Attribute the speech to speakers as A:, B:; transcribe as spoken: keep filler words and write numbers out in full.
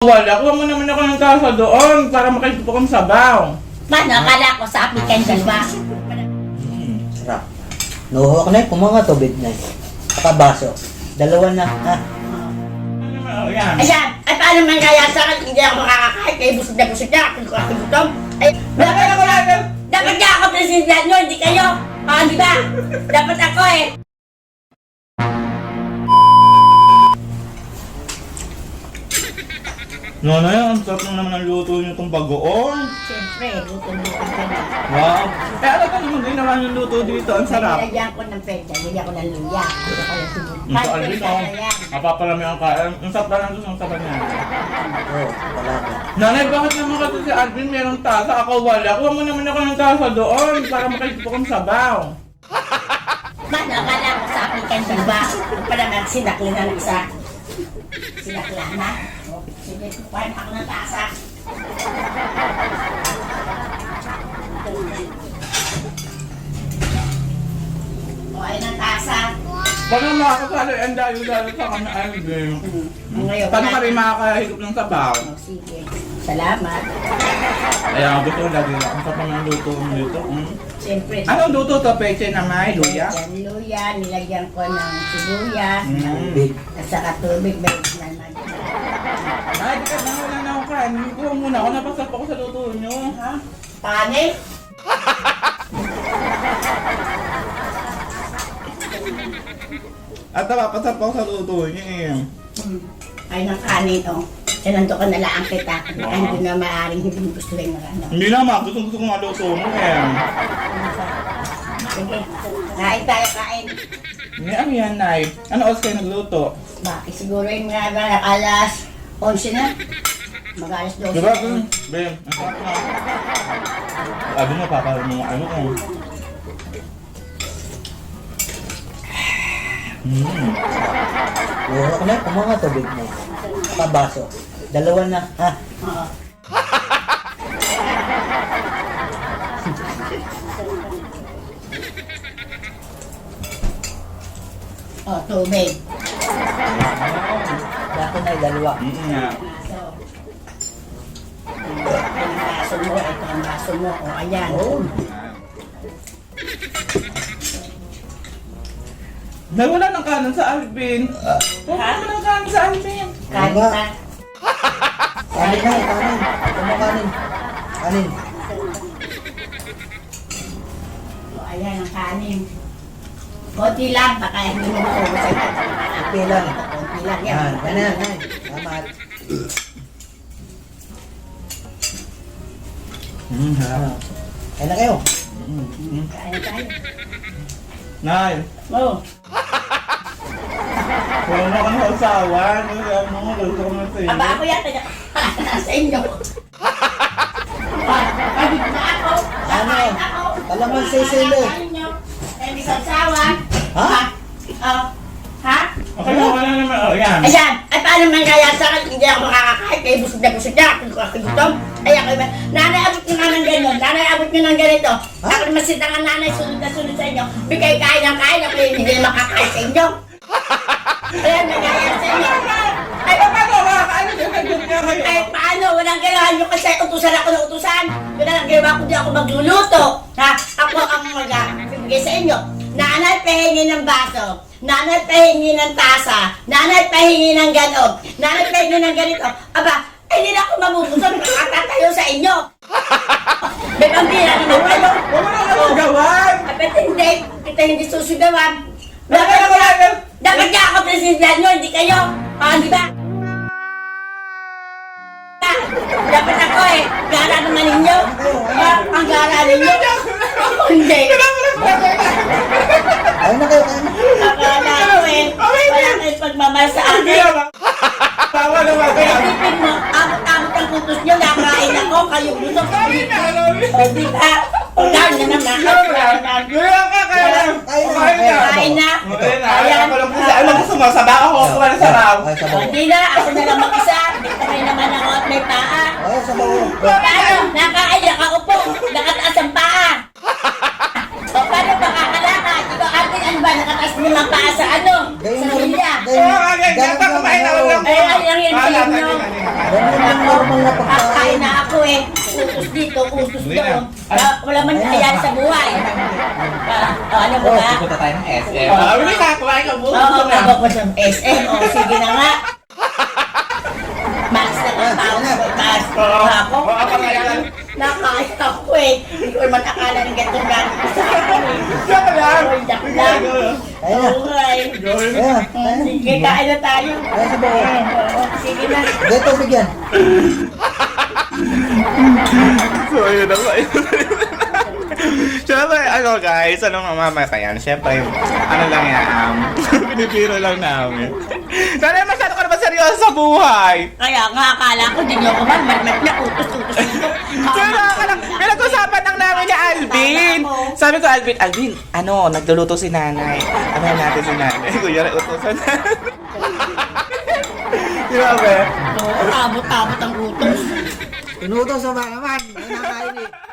A: wala. Kuha mo naman ako ng tasa doon para makikita kong sabaw.
B: Paano? Akala ko sa applicant ba?
C: Hmm, sarap. Nuho ako na, kumanga tubig na. Pakabaso. Dalawa na, ha?
A: Ano naman, oh, yan.
B: Ayan! Ay paano man kaya sa akin hindi ako makakakain kaya busog na busog na ako ako gutom. Ay, dapat ako lang. Dapat nga ako president nyo, hindi kayo. Ah, di ba? Dapat ako eh.
A: Nonoy, ang sarap na naman ang luto niyo itong bagoong.
B: Siyempre, luto-luto ka na.
A: Wow. Eh, ano ka naman ginawa yung luto dito? Ang sarap.
B: Nilagyan ko ng pwede, nilagyan ko ng luya. Nilagyan ko ng sibuyas.
A: Ito, Alvin, oh.
B: Ayan.
A: Napapalami ang kain. Ang sarap lang doon ang sabaw niya.
C: Oo, wala ka.
A: Nanay, bakit naman kasi si Alvin merong tasa? Ako wala. Kuha mo naman ako ng tasa doon para makikita kong sabaw.
B: Paano? Akala ko sa applicant ba? Para naman sinakli na ng isa. Sinakla na. Sige, kukuhain ako ng tasa. Kukuhain ng tasa.
A: Baka makakasalo ang dayo-dayo sa kanya, Alvin.
B: Ngayon,
A: Paano ka rin makakahigop ng sabaw?
B: Oh, sige. Salamat.
A: Kaya gusto ko lagi lang. Ang sarap ng luto mo dito. Mm.
B: Siyempre.
A: Anong luto to? Peche na may luya?
B: Yan, luya. Nilagyan ko ng sibuyas.
A: Mm.
C: Big.
B: At saka tubig. May naman.
A: Ay, di ka na wala na ako kain. Kuha muna ako. Napasap ako sa luto nyo.
B: Ha? Panik?
A: At napapasap ako sa luto nyo eh.
B: Hmm. Ay, ng kanin, oh. Eh, nandun ka na lang kita. Ay, hindi na maaaring hindi mo gusto rin ano.
A: Hindi naman. Gusto gusto ko nga luto mo eh.
B: Sige. Kain tayo, kain.
A: Hindi, ano yan, Nay? Ano oras kayo nagluto?
B: Bakit siguro yung mga mga alas onse na? Mag-alas dose.
A: Diba? Ben, ang sarap na. Sabi mo, paparin mo ano ko. Mm.
C: Nuho ako na, kumanga tubig na. Pakabaso. Dalawa na, ha?
B: Oo. Oh, tubig.
C: Dako na, dalawa.
A: Mm nga.
B: So, ang baso mo, ito ang baso mo. O, ayan.
C: Oo.
A: Nawala ng kanan sa Alvin. Wala
B: Ha?
A: ng kanan sa Alvin.
B: Kain
C: Diba?
B: pa.
C: Kanin na, kanin. Kumakanin. Kanin.
B: O, ayan ang kanin. Konti lang, baka hindi mo maubos ito.
C: Okay lang.
B: Konti lang yan.
C: Yan, ganyan, yan. Salamat.
A: Mm, ha.
C: Kaya na kayo.
A: Mm, mm.
B: Kain na tayo.
A: Nay,
B: Oh,
A: wala na kang asawa. Kaya mo, gusto ko na sa iyo.
B: aba ako yan, taga sa inyo. Pagod na ako.
C: Ano?
B: Kakain ako.
C: Talagang sisilo.
B: Kakain nyo. Eh, di sasawa.
C: Ha?
B: Oh. Ha?
A: Okay, wala naman. Oh, yan.
B: Ayan, ay paano man kaya sa akin, hindi ako makakakain, kaya busog na busog na, ako ako gutom. Ay ako naman, nanay, abot nyo nga ng gano'n, nanay, abot nyo ng ganito. Ako naman sitang ang nanay, sunod na sunod sa inyo. Bigay kain ng kain, ako yung hindi na makakain sa inyo. Ayan, nagaya sa inyo. Ay,
A: Paano makakaano din? Nandun nga kayo.
B: ay, paano? Walang ginawa nyo kasi utusan ako ng utusan. Wala lang ginawa ko, di ako magluluto. Ha? Ako ang mag-bigay sa inyo. Nanay, pahingi ng baso. Nanay, pahingi ng tasa. Nanay, pahingi ng ganog. Nanay, pahingi ng ganito. Aba, ay hindi na ako mabubusog. Makatatayo sa inyo. May pambira naman kayo.
A: Wala na kang gawan.
B: Dapat hindi. Kita hindi susugawan.
A: Wala
B: Dapat,
A: na wala na.
B: dapat nga ako president nyo, hindi kayo. Ah, di ba? Dapat ako eh. Gara naman ninyo. Ah, ang gara ninyo. Ako hindi.
C: Kaya na kayo, kaya na.
B: Akala ko eh. Wala kayong pagmamahal sa
A: Hindi
B: akin.
A: naman. Tawa naman
B: Kaya
A: kaya.
B: tipid mo, abot-abot ang kutos nyo, nakain ako, kayo gusto ko. O di ba? O dahil na naman.
A: Wala ka kaya lang. Kumain na.
B: Kain na.
A: Kumain na. Ayaw ko lang kasi alam mo sumasaba ako. Kuha na sa raw.
C: Ay,
B: O
C: sabaw.
B: di na, ako na lang mag-isa. May naman ako at may paa.
C: Ay, sabaw.
B: Paano? Nakain, nakaupo, nakataas ang paa. O paano makakalakad? Ikaw atin, ano ba, nakataas mo ng paa sa ano?
C: Gayun
B: Sa
C: na rin.
B: milya.
C: Gayun
A: Oo, kaya
C: gayun
A: dapat kumain na lang.
B: Ay, ay, ay, ay,
A: Wala,
B: ay,
A: tayo
B: ay,
A: na.
C: Ganun na pagkain.
B: Kakain na ako eh. Utos dito, utos
A: Hindi na.
B: doon. Wala, wala man ayan sa buhay. Ah, oh, ano ba ba?
D: Pupunta tayo ng S M.
A: Ah, hindi ka, kumain ka muna.
B: Oo, kabak ko sa S M. O, sige na nga. Mas na ang tao sa taas. Ako, nakain ako eh. Hindi ko naman akala ng ganito gano'n ko sa akin eh.
A: Diyan lang.
B: Oy, dak lang.
C: Ayun na.
B: Oo nga eh.
C: Ayun.
B: Mm, Sige, kain na tayo.
C: Ayun sa buo.
B: Oo, sige na.
C: Dito, bigyan.
D: So, ayun ako. Siyempre, ano guys, anong mamamatayan? Siyempre, ano lang yan, um, pinipiro lang namin. Sana masyado ka naman seryoso sa buhay.
B: Kaya nga, akala ko din yung kuman, mat-mat na utos-utos dito.
D: Pero ka lang, pinag-usapan lang namin ni Alvin. Sabi ko, Alvin, Alvin, ano, nagluluto si nanay. Ano natin si nanay? Kuya, utusan na. Grabe.
B: Oo, abot-abot ang utos.
C: Inutos sa ba naman? Ay, nakain eh.